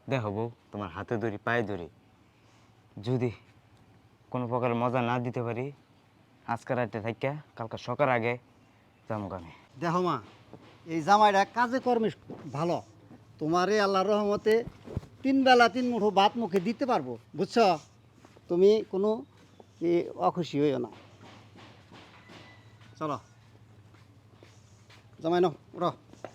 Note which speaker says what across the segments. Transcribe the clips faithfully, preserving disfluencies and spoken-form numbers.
Speaker 1: দেখো বউ, তোমার হাতে ধরি পায়ে ধরি, যদি কোনো প্রকার মজা না দিতে পারি আজকে রাতে থাইকা কালকে সকাল আগে যাবো আমি।
Speaker 2: দেখো মা, এই জামাইটা কাজে কর্মে ভালো। তোমারে আল্লাহর রহমতে তিন বেলা তিন মুঠো ভাত মুখে দিতে পারবো, বুঝছো? তুমি কোনো এ, অখুশি হইও না। চলো জামাই নাও, উঠো।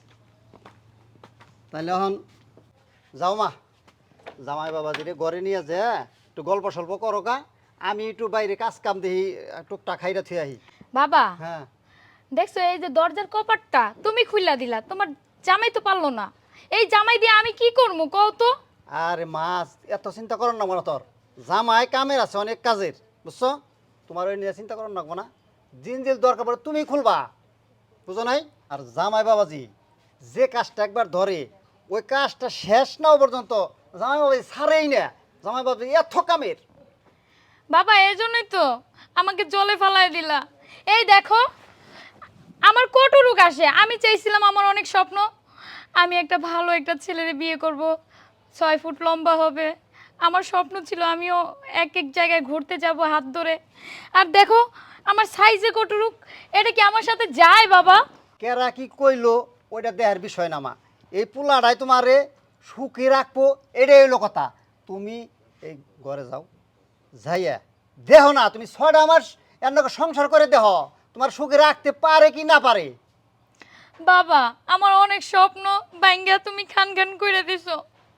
Speaker 2: তাইলে এখন যাও মা, জামাই বাবাজিরে ঘরে নিয়ে যে একটু গল্প সল্প করো গা, আমি একটু বাইরে কাজ কাম দেখি টুকটা খাইরা থুয়ে আহি।
Speaker 3: বাবা
Speaker 2: হ্যাঁ,
Speaker 3: দেখছো এই যে দরজার কপাটটা তুমি খুইলা দিলা, তোমার জামাই তো পারলো না। এই জামাই দিয়ে আমি কি করবো কও তো?
Speaker 2: আরে মাছ এত চিন্তা করো না মনে তোর, জামাই কামের আছে অনেক কাজের, বুঝছো? তোমার ওই নিয়ে চিন্তা করো না না, দিন দিন দরকার পড়ে তুমি খুলবা, বুঝো নাই? আর জামাই বাবাজি যে কাজটা একবার ধরে ওই কাজটা শেষ না হওয়া পর্যন্ত জামাই বাবাজি ছাড়েই না। জামাই বাবাজি এত কামের।
Speaker 3: বাবা এই জন্যই তো আমাকে জলে ফালাই দিলা। এই দেখো আমার কটুরুক আসে, আমি চাইছিলাম, আমার অনেক স্বপ্ন, আমি একটা ভালো একটা ছেলের বিয়ে করব, ছয় ফুট লম্বা হবে। আমার স্বপ্ন ছিল আমিও এক এক জায়গায় ঘুরতে যাব হাত ধরে। আর দেখো আমার সাইজে কটুরুক, এটা কি আমার সাথে যায় বাবা?
Speaker 2: কেরা কি কইলো ওইটা দেহার বিষয় না মা, এই পোলাটাই তোমারে সুখে রাখবো, এটাই হইলো কথা। তুমি এই ঘরে যাও, যাইয়া দেহ না তুমি ছয়টা মাস এর সংসার করে দেহ, তোমার সুখে রাখতে পারে কি না পারে।
Speaker 3: বাবা আমার অনেক স্বপ্ন ভাঙ্গা তুমি খান খান করে দিছো।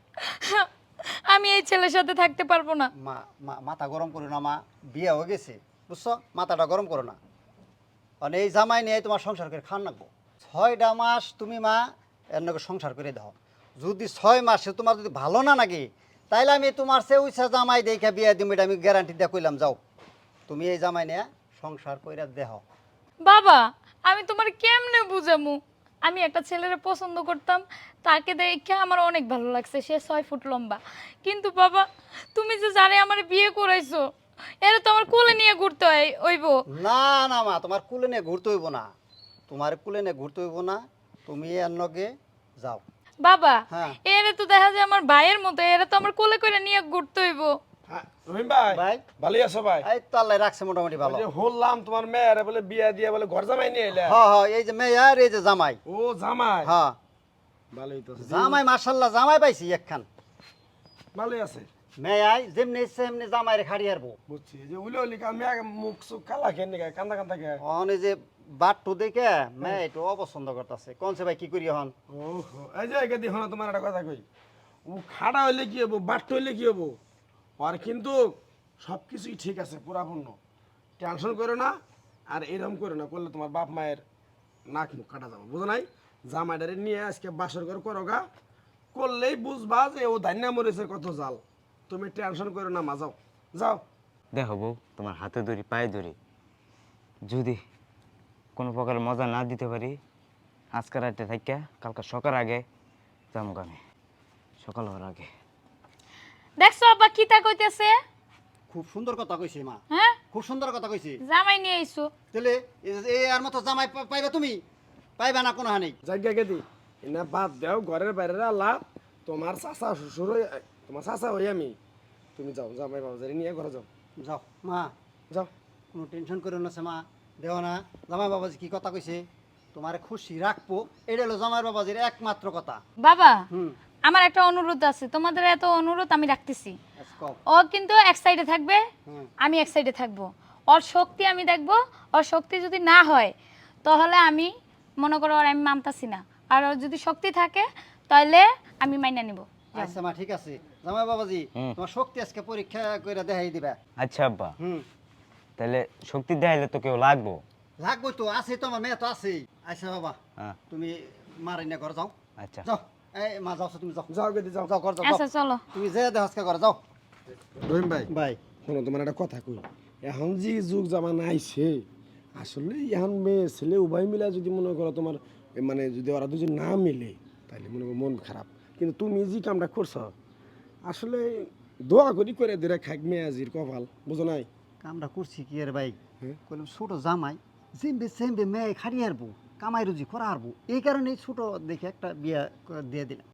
Speaker 3: আমি এই ছেলের সাথে থাকতে পারবো না।
Speaker 2: মা মা মাথা গরম করো না মা, বিয়ে হয়ে গেছে, বুঝছো? মাথাটা গরম করো না। মানে এই জামাই নিয়ে তোমার সংসার করে খান রাখবো। ছয়টা মাস তুমি মা এর নাকি সংসার করে দাও, যদি ছয় মাসে তোমার যদি ভালো না লাগে তাইলে আমি তোমার সে উইসা জামাই দেখে বিয়ে দিব, এটা আমি গ্যারান্টি দিয়ে কইলাম। যাও তুমি এই জামাই নিয়ে সংসার করে দেহ।
Speaker 3: বাবা আমি তোমার কেমনে বুঝামু? আমি একটা ছেলের পছন্দ করতাম, তাকে দেখে আমার অনেক ভালো লাগছে, সে ছয় ফুট লম্বা। কিন্তু বাবা তুমি যে জানে আমার বিয়ে করাইছো, এরা তো আমার কোলে নিয়ে ঘুরতে হয় ওইব।
Speaker 2: না না মা, তোমার কুলে নিয়ে ঘুরতে হইব না, তোমার কুলে নিয়ে ঘুরতে হইব না, তুমি এর লগে যাও।
Speaker 3: বাবা
Speaker 2: হ্যাঁ।
Speaker 3: এরা তো দেখা যায় আমার ভাইয়ের মতো, এরা তো আমার কোলে করে নিয়ে ঘুরতে হইব।
Speaker 4: হ্যাঁ, রহিম ভাই
Speaker 2: ভাই
Speaker 4: ভালোই আছো ভাই?
Speaker 2: এই তো আল্লাহ রাখছে মোটামুটি ভালো।
Speaker 4: ওই যে হলাম তোমার মেয়ের বলে বিয়া দিয়ে বলে ঘর জামাই নিয়ে এলে।
Speaker 2: হ্যাঁ হ্যাঁ, এই যে মেয়ে আর এই যে জামাই।
Speaker 4: ও জামাই,
Speaker 2: হ্যাঁ
Speaker 4: ভালোই তো আছে।
Speaker 2: জামাই মাশাল্লাহ জামাই পাইছি একখান।
Speaker 4: ভালোই আছে,
Speaker 2: মেয়াই যেমনি সেমনি জামাইরে খাড়ি হারবো।
Speaker 4: বুঝছি। এই যে উলি উলি কাল মেয়ে মুখ সুখ কালা খেয়ে নিয়ে কান্দা কান্দা খেয়ে।
Speaker 2: অনে যে বাট্টু দেখে মেয়ে একটু অপছন্দ করতেছে, কোনছে ভাই কি করি হন?
Speaker 4: ওহো, এই যে একে দেখো না, তোমার একটা কথা কই, ও খাড়া হইলে কি হবো, বাট্ট হইলে কি হবো, আর কিন্তু সব কিছুই ঠিক আছে পুরাপূর্ণ, টেনশন করো না। আর এরকম করো না, করলে তোমার বাপ মায়ের নাক মুখ কাটা যাবো, বুঝো নাই? জামাইটারে নিয়ে আজকে বাসর ঘর করো গা, করলেই বুঝবা যে ও ধান্যা মরেছে কত জাল। তুমি টেনশন করো না মা, যাও যাও।
Speaker 1: দেখো বউ, তোমার হাতে ধরি পায়ে ধরি, যদি কোনো প্রকার মজা না দিতে পারি আজকে রাতে থাইকা কালকে সকাল আগে যাবো আমি, সকাল হওয়ার আগে।
Speaker 3: দেখছো আব্বা কি তা কইতেছে?
Speaker 2: খুব সুন্দর কথা কইছি মা,
Speaker 3: হ্যাঁ
Speaker 2: খুব সুন্দর কথা কইছি।
Speaker 3: জামাই নিয়ে আইছো।
Speaker 2: তাহলে এই আর মতো জামাই পা- পাইবা তুমি? পাইবা না কোনো হানি।
Speaker 4: জায়গা গেদি এনা বাদ দেও, ঘরের বাইরে আল্লাহ, তোমার চাচা শ্বশুর হই, তোমার চাচা হই আমি। তুমি যাও, জামাই বাবাজারি নিয়ে ঘরে যাও,
Speaker 2: যাও মা,
Speaker 4: যাও।
Speaker 2: কোনো টেনশন করো না সে মা, দেও না। জামাই বাবাজি কি কথা কইছে, তোমার খুশি রাখবো, এটা হলো জামাই বাবাজির একমাত্র কথা।
Speaker 3: বাবা
Speaker 2: হুম,
Speaker 3: আমার একটা অনুরোধ আছে, তোমাদের এত অনুরোধ আমি রাখতেছি।
Speaker 2: আচ্ছা কও।
Speaker 3: ও কিন্তু এক সাইডে থাকবে,
Speaker 2: হুম।
Speaker 3: আমি এক সাইডে থাকবো। ওর শক্তি আমি দেখবো, ওর শক্তি যদি না হয় তাহলে আমি মনে করো আর আমি মানতাছি না, আর ওর যদি শক্তি থাকে তাহলে আমি মাইনা নিব।
Speaker 2: আচ্ছা মা, ঠিক আছে। জামাই বাবাজি
Speaker 1: হুম।
Speaker 2: তোমার শক্তি আজকে পরীক্ষা করে দেখাই দিবা।
Speaker 1: আচ্ছা আব্বা,
Speaker 2: হুম,
Speaker 1: তাহলে শক্তি দেখাইলে তো কেউ লাগবো।
Speaker 2: লাগবই তো, আছে তো, আমার মেয়ে তো আছেই। আচ্ছা বাবা,
Speaker 1: হ্যাঁ
Speaker 2: তুমি মারাই না ঘর যাও।
Speaker 1: আচ্ছা।
Speaker 2: যাও, এই মা যাও, তুমি যাও,
Speaker 4: যাও গেদি যাও।
Speaker 2: যাও ঘর যাও,
Speaker 3: আচ্ছা
Speaker 2: যাও।
Speaker 3: চলো।
Speaker 2: তুমি যে দেহাজকে ঘরে যাও।
Speaker 4: রহিম ভাই
Speaker 2: ভাই
Speaker 4: শোনো, তোমার একটা কথা কই, এখন যে যুগ জামানা আইছে, আসলে এখন মেয়ে ছেলে উভয় মিলা যদি মনে করো তোমার এ মানে যদি ওরা দুজন না মিলে তাহলে মনে করো মন খারাপ। কিন্তু তুমি যে কামটা করছো আসলে দোয়া করি করে দিলে খাক মেয়ে আজির কপাল, বুঝো নাই?
Speaker 2: কামটা করছি কি আর ভাই,
Speaker 4: হ্যাঁ।
Speaker 2: কইলাম ছোট জামাই যেমবে সেমবে মেয়ে খাড়ি হারবো, কামাই রুজি করা হারবো, এই কারণে ছোট দেখে একটা বিয়া করে দিয়ে দিলাম।